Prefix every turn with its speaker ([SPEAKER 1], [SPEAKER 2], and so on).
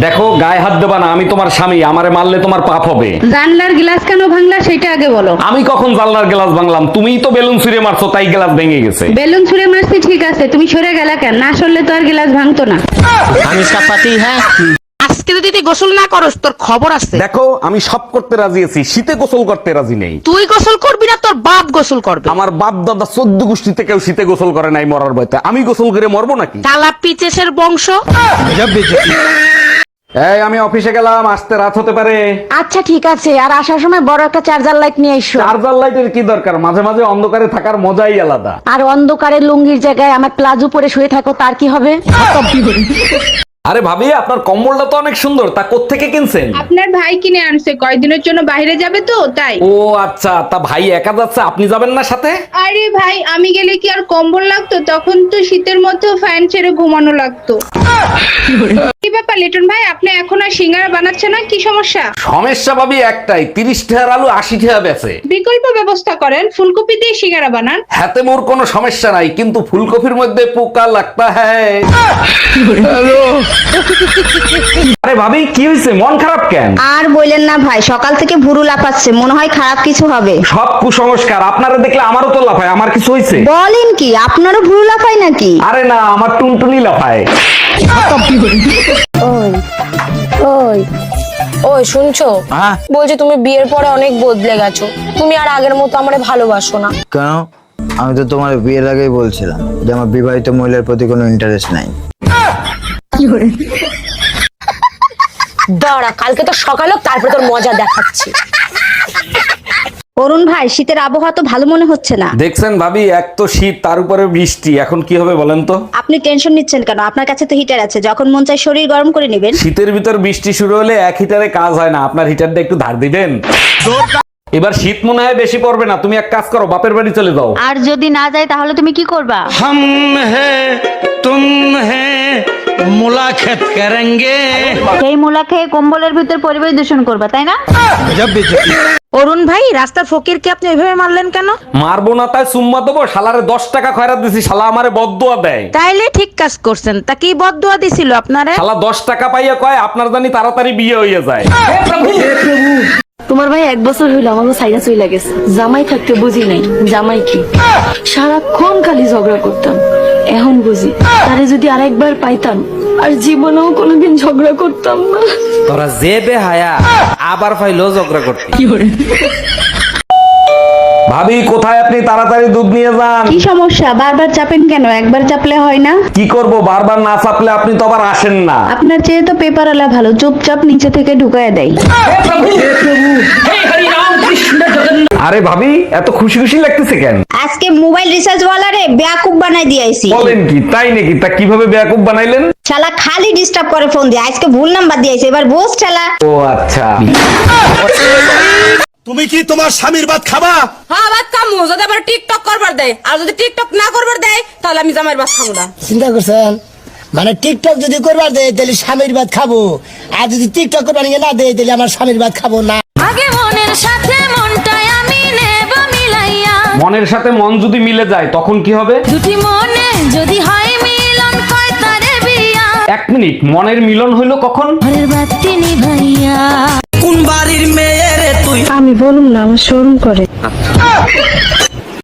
[SPEAKER 1] দেখো গায়ে হাত দেবা না, আমি তোমার স্বামী, আমারে মারলে তোমার পাপ হবে।
[SPEAKER 2] জানলার গ্লাস কেন ভাঙলা সেটা আগে বলো।
[SPEAKER 1] আমি কখন জানলার গ্লাস ভাঙলাম? তুমিই তো বেলুন ছুঁড়ে মারছো, তাই গ্লাস ভেঙে গেছে।
[SPEAKER 2] বেলুন ছুঁড়ে মারছি ঠিক আছে, তুমি সরে গেলা কেন? না সরলে তো আর গ্লাস ভাঙতো না।
[SPEAKER 3] हम इसका पति है। আজকে যদি তুই গোসল না করস তোর খবর আছে।
[SPEAKER 1] দেখো আমি সব করতে রাজি আছি, শীতে গোসল করতে রাজি নেই।
[SPEAKER 3] তুই গোসল করবি না, তোর বাপ গোসল করবে।
[SPEAKER 1] আমার বাপ দাদা 14 গোষ্ঠীতে কেউ শীতে গোসল করে নাই মরার ভয়তে, আমি গোসল করে মরবো নাকি?
[SPEAKER 3] শালা পিচেসের বংশ।
[SPEAKER 1] এই আমি অফিসে গেলাম, আসতে রাত হতে পারে।
[SPEAKER 4] আচ্ছা ঠিক আছে, আর আসার সময় বড় একটা চার্জার লাইট নিয়ে এসো।
[SPEAKER 1] চার্জার লাইটের কি দরকার? মাঝে মাঝে অন্ধকারে থাকার মজাই আলাদা।
[SPEAKER 4] আর অন্ধকারে লুঙ্গির জায়গায় আমার প্লাজো পরে শুয়ে থাকো, তার কি হবে?
[SPEAKER 1] আরে ভাবি, আপনার কম্বলটা তো অনেক সুন্দর, তা কোত্থেকে কিনছেন?
[SPEAKER 2] আপনার ভাই কিনে আনছে, কয়দিনের জন্য বাইরে যাবে তো তাই।
[SPEAKER 1] ও আচ্ছা, তা ভাই একা যাচ্ছে, আপনি যাবেন না সাথে?
[SPEAKER 2] আরে ভাই, আমি গেলে কি আর কম্বল লাগতো? তখন তো শীতের মধ্যেও ফ্যান ছেড়ে ঘুমানো লাগতো। কি ব্যাপার লিটন ভাই, আপনি এখন আর সিঙ্গারা বানাচ্ছেন না, কি সমস্যা?
[SPEAKER 1] সমস্যা ভাবি একটাই, 30 টাকার আলু 80 টাকা বেচে।
[SPEAKER 2] বিকল্প ব্যবস্থা করেন, ফুলকপি দিয়ে সিঙ্গারা বানান।
[SPEAKER 1] হাতে মোর কোনো সমস্যা নাই, কিন্তু ফুলকপির মধ্যে পোকা লাগতা হ্যায়। আরে ভাবি কি হয়েছে, মন খারাপ কেন?
[SPEAKER 4] আর বললেন না ভাই, সকাল থেকে ভুরু লাফাচ্ছে, মনে হয় খারাপ কিছু হবে।
[SPEAKER 1] সব কুসংস্কার, আপনারা দেখলে আমারও তো লাফায়। আমার কিছু হয়েছে?
[SPEAKER 4] বলেন কি, আপনারও ভুরু লাফায় নাকি?
[SPEAKER 1] আরে না, আমার টুনটুনি লাফায়।
[SPEAKER 5] ওই শুনছো? বলছি তুমি বিয়ের পরে অনেক বদলে গেছো, তুমি আর আগের মতো আমারে ভালোবাসো না।
[SPEAKER 6] কেন? আমি তো তোমার বিয়ের আগেই বলছিলাম যে আমার বিবাহিত মহিলার প্রতি কোনো ইন্টারেস্ট নাই।
[SPEAKER 5] দাঁড়া, কালকে তো সকাল হোক, তারপরে তোর মজা দেখাচ্ছি।
[SPEAKER 4] অরুণ ভাই, শীতের আবহাওয়া তো ভালো মনে হচ্ছে না।
[SPEAKER 1] দেখছেন ভাবি, এক তো শীত, তার উপরে বৃষ্টি, এখন কি হবে বলেন তো?
[SPEAKER 4] আপনি টেনশন নিচ্ছেন কেন? আপনার কাছে তো হিটার আছে, যখন মন চায় শরীর গরম করে নেবেন।
[SPEAKER 1] শীতের ভিতর বৃষ্টি শুরু হলে এক হিটারে কাজ হয় না, আপনার হিটারটা একটু ধার দিবেন। এবার শীত মনে হয় বেশি পড়বে না, তুমি এক কাজ করো, বাপের বাড়ি চলে যাও।
[SPEAKER 4] আর যদি না যায় তাহলে তুমি কি করবা?
[SPEAKER 7] हम हैं तुम हैं मुलाकात करेंगे।
[SPEAKER 4] সেই মুলা খেয়ে কম্বলের ভিতর পরিবেশ দূষণ করবা, তাই না?
[SPEAKER 3] অরুণ ভাই, রাস্তার ফকিরকে আপনি ওইভাবে মারলেন কেন?
[SPEAKER 1] মারবো না তাই সুম্মা দেবো? শালারে 10 টাকা খয়রাত দিছি, শালা আমারে বদদুয়া দেয়।
[SPEAKER 3] তাইলে ঠিক কাজ করছেন। তা কি বদদুয়া দিছিল আপনারে?
[SPEAKER 1] শালা 10 টাকা পাইয়া কয় আপনার জানি তাড়াতাড়ি বিয়ে হয়ে যায়।
[SPEAKER 8] তোমার ভাই 1 বছর হইলো আমাকে সাইরা চইলা গেছে। জামাই থাকতে বুঝি নাই জামাই কি, সারাক্ষণ খালি ঝগড়া করতাম। এখন বুঝি তারে যদি আরেকবার পাইতাম আর জীবনেও কোনোদিন ঝগড়া করতাম না।
[SPEAKER 7] তোরা যে বেহায়া আবার ফাইলো ঝগড়া করতে।
[SPEAKER 1] ভাবি কোথায় আপনি? তাড়াতাড়ি দুধ নিয়ে যান।
[SPEAKER 2] কি সমস্যা, বারবার চাপেন কেন? একবার চাপলে হয় না?
[SPEAKER 1] কি করব, বারবার না চাপলে আপনি তো আবার আসেন না।
[SPEAKER 2] আপনার চেয়ে তো পেপারওয়ালা ভালো, চুপচাপ নিচে থেকে ঢুকায় দেয়।
[SPEAKER 1] আরে ভাবি, এত খুশি খুশি লাগতেছে কেন?
[SPEAKER 4] আজকে মোবাইল রিচার্জ ওয়ালারে বেয়াকুব বানাই দিয়েছি।
[SPEAKER 1] বলেন কি, তাই নাকি? তা কিভাবে বেয়াকুব বানাইলেন?
[SPEAKER 4] শালা খালি ডিস্টার্ব করে ফোন দিয়ে, আজকে ভুল নাম্বার দিয়েছে, এবার বোস শালা।
[SPEAKER 1] ও আচ্ছা।
[SPEAKER 9] তুমি কি তোমার স্বামীর ভাত খাবা?
[SPEAKER 5] হ্যাঁ ভাত খামু, যদি আবার টিকটক করবার দেয়, আর যদি টিকটক না করবার দেয় তাহলে আমি জামাইয়ের ভাত খাবো না।
[SPEAKER 10] চিন্তা করছেন? মানে টিকটক যদি করবার দেয় তাহলে স্বামীর ভাত খাবো, আর যদি টিকটক করবার না দেয় তাহলে আমার স্বামীর ভাত খাবো না।
[SPEAKER 5] আগে মনের সাথে মনটাই আমি নেব মিলাইয়া,
[SPEAKER 1] মনের সাথে মন যদি মিলে যায় তখন কি হবে?
[SPEAKER 5] দুটি মনে যদি হয় মিলন, কয় তারে বিয়া।
[SPEAKER 1] 1 মিনিট, মনের মিলন হইলো কখন?
[SPEAKER 5] ঘরের বাতি নিভাইয়া।
[SPEAKER 7] কোন বাড়ির মেয়ে রে তুই?
[SPEAKER 2] আমি বলুন না, আমার শরম করে।